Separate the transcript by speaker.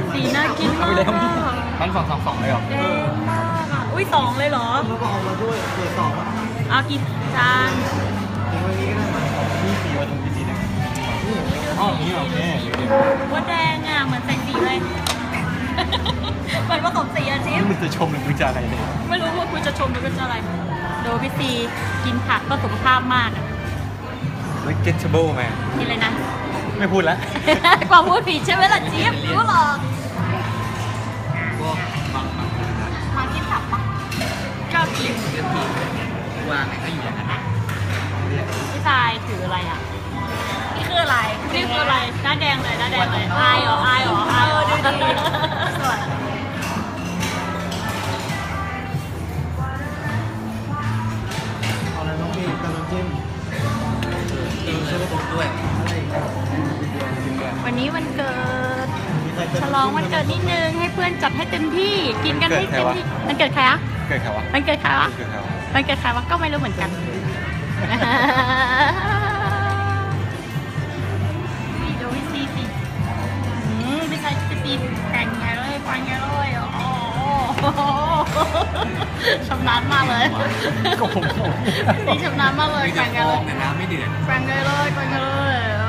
Speaker 1: สีน่ากินมาก
Speaker 2: มัน2 เลยเหรอ
Speaker 1: แดงมากอ่ะอุ้ย2เลยเหรอ
Speaker 3: แล้วก็เอามาด้วยเปิด2อ่ะ
Speaker 1: เอากี่จาน
Speaker 3: ทิ้งไว้นี้ก็ได้มา
Speaker 2: นี่สีว่าตรงนี้สีนึงอ๋อนี่โอเค
Speaker 1: ว่าแดงอ่ะเหมือนใส่สีเลยเหมือนผสมสีอาชีพ
Speaker 2: มึงจะชมหรือมึงจะอะไรเนี่ย
Speaker 1: ไม่รู้ว่าคุณจะชมหรือคุณจะอะไรดูพี่ซีกินผักก็สุขภาพมากอ่ะ
Speaker 2: แล้ว getable ไหม
Speaker 1: กินเลยนะ
Speaker 2: ไม่พูดแล้ว
Speaker 1: กว่าพูดผิดใช่ไหมล่ะจี๊บรู้หรอกมากินผักปะชอบกิน
Speaker 2: วางให้อยู่อย่างนั้น
Speaker 1: พี่ชายถืออะไรอ่ะนี่คืออะไรนี่คืออะไรหน้าแดงเลยหน้าแดงเลยอายเหรออายเหรออายดูดีสวย
Speaker 3: เอาอะไรน้องพี่กับน้ำจิ้มช่วยผมด้วย
Speaker 1: วันนี้วันเกิดฉลองวันเกิดนิดนึงให้เพื่อนจัดให้เต็มที่กินกันให้เต็มที่มันเกิดใครอะ
Speaker 2: เกิดใครวะ
Speaker 1: มันเกิดใครวะมันเกิดใครวะก็ไม่รู้เหมือนกันดูพี่ซีสิพี่ชายพี่ซีแต่งไงเลยฟังไงเลยชำนาญมากเลยนี่ชำนาญมากเลยแข่งกันเลย
Speaker 2: แต่น้ำไม่เดือด
Speaker 1: แข่งกันเลยแข่งกันเลย